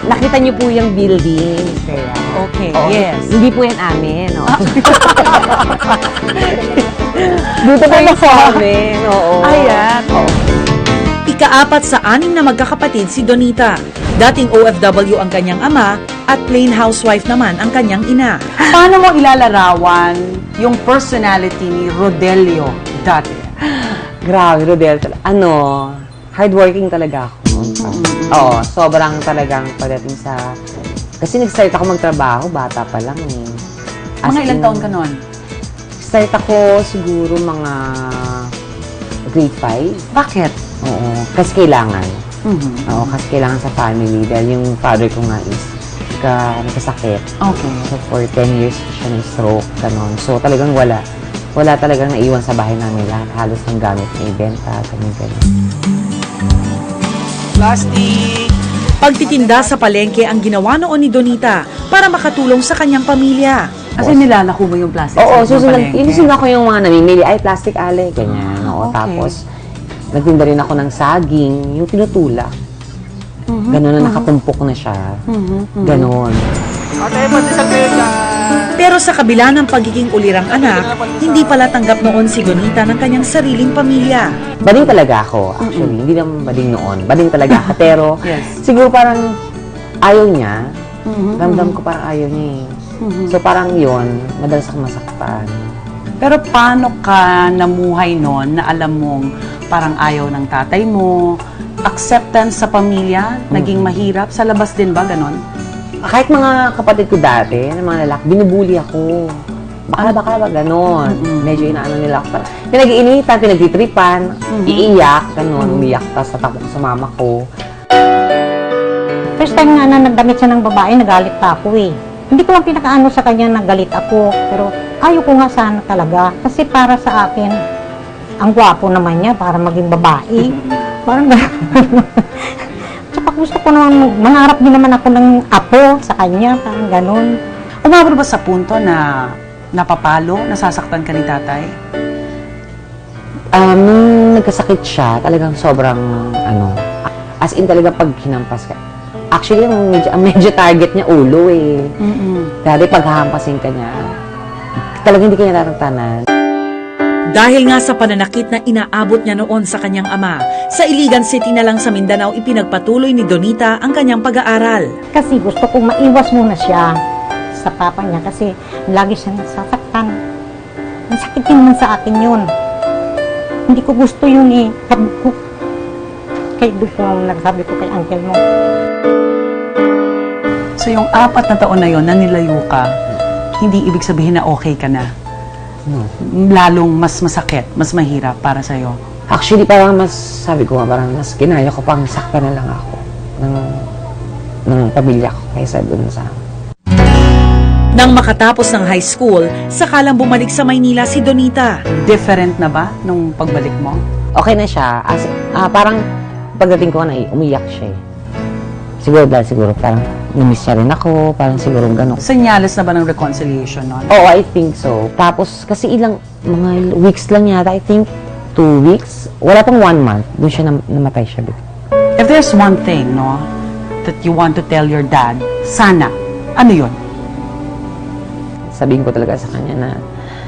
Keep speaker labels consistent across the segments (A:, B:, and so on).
A: nakita niyo po yung building. Kaya,
B: Okay,
A: oo,
B: yes.
A: Hindi po yan amin. No? Dito po yung sa amin. Oo.
B: Ayan.
C: Ika-4 sa 6 na magkakapatid si Donita. Dating OFW ang kanyang ama at plain housewife naman ang kanyang ina.
B: Paano mo ilalarawan yung personality ni Rodelio dati?
A: Grabe, Rodel. Hardworking talaga ako. Oo, sobrang talagang pagdating sa... Kasi nag-start ako magtrabaho, bata pa lang eh.
B: Mga ilang taon ka noon?
A: Start ako siguro mga grade 5.
B: Bakit?
A: Oo, kasi kailangan.
B: Mhm.
A: Oo, kasi kailangan sa family dahil yung father ko nga is nagkasakit.
B: Okay.
A: So, for 10 years siya na-stroke, ganon. So, talagang wala. Wala talagang naiwan sa bahay namin lahat. Halos ng gamit na ibenta, ganon.
B: Plastic!
C: Pagtitinda sa palengke ang ginawa noon ni Donita para makatulong sa kanyang pamilya.
B: Kasi nilalako mo yung plastic
A: Oo,
B: sa
A: susunod.
B: palengke.
A: Inusunod ako yung mga namimili. Ay, plastic ale, ganyan. Oo,
B: Okay.
A: tapos, nagtinda rin ako ng saging, yung tinutulak. Ganon na nakatumpok na siya. Ganon.
C: Pero sa kabila ng pagiging ulirang anak, hindi pala tanggap noon si Donita ng kanyang sariling pamilya.
A: Bading talaga ako, actually. Hindi naman bading noon. Bading talaga ako. Pero,
B: Yes.
A: siguro parang ayaw niya. Ramdam ko parang ayaw niya eh. So, parang yun, madalas ako masaktan.
B: Pero paano ka namuhay noon na alam mong parang ayaw ng tatay mo, acceptance sa pamilya, naging mahirap? Sa labas din ba, ganon?
A: Kahit mga kapatid ko dati, ng mga lalaki, binubuli ako. Bakla, ganon. Medyo inaano nila ako. Parang pinag-iinitan, pinagtitripan, iiyak, ganon, umiyak, tapos tatakbo ko sa mama ko.
D: First time nga na nagdamit siya ng babae, nagalit pa ako eh. Hindi ko lang pinakaano sa kanya nagalit ako, pero ayaw ko nga sana talaga. Kasi para sa akin, ang gwapo naman niya para maging babae. Parang tsaka gusto ko naman, mangarap din naman ako ng apo sa kanya, parang ganon.
B: Umabot ba sa punto na napapalo, nasasaktan ka ni tatay?
A: Nung nagkasakit siya, talagang sobrang, as in talaga pag hinampas ka. Actually, ang medyo target niya ulo eh. Dati pag hahampasin ka niya, talagang hindi ka niya tatantanan.
C: Dahil nga sa pananakit na inaabot niya noon sa kanyang ama, sa Iligan City na lang sa Mindanao ipinagpatuloy ni Donita ang kanyang pag-aaral.
D: Kasi gusto kong maiwas muna siya sa papa niya kasi lagi siyang nasasaktan. Ang sakit din naman sa akin yun. Hindi ko gusto yun eh. Sabi ko, kay Dupo, nagsabi ko kay uncle mo.
B: So yung 4 na taon na yon na nilayo ka, hindi ibig sabihin na okay ka na. Lalong mas masakit, mas mahirap para sa'yo.
A: Actually, parang mas, sabi ko nga, parang mas kinaya ko pang saktan na lang ako ng pamilya ko kaysa dun sa...
C: Nang makatapos ng high school, sakalang bumalik sa Maynila si Donita.
B: Different na ba nung pagbalik mo?
A: Okay na siya. Parang pagdating ko na umiyak siya eh. Siguro parang namiss niya rin ako, parang siguro gano'n.
B: Senyales na ba ng reconciliation nun?
A: Oo, I think so. Tapos, kasi mga weeks lang yata, I think 2 weeks. Wala pang 1 month, dun siya namatay siya.
B: If there's one thing, no, that you want to tell your dad, sana, ano yun?
A: Sabihin ko talaga sa kanya na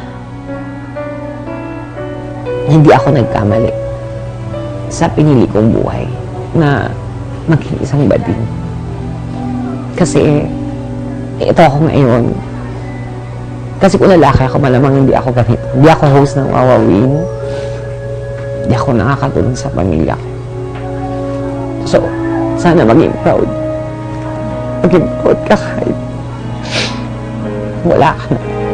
A: hindi ako nagkamali sa pinili kong buhay na maging isang bading. Kasi ito ako ngayon. Kasi kung lalaki ako, malamang hindi ako ganito. Hindi ako host ng Wawawin. Hindi ako nakakatulong sa pamilya ko. So, sana maging proud. Maging proud ka kahit wala ka na.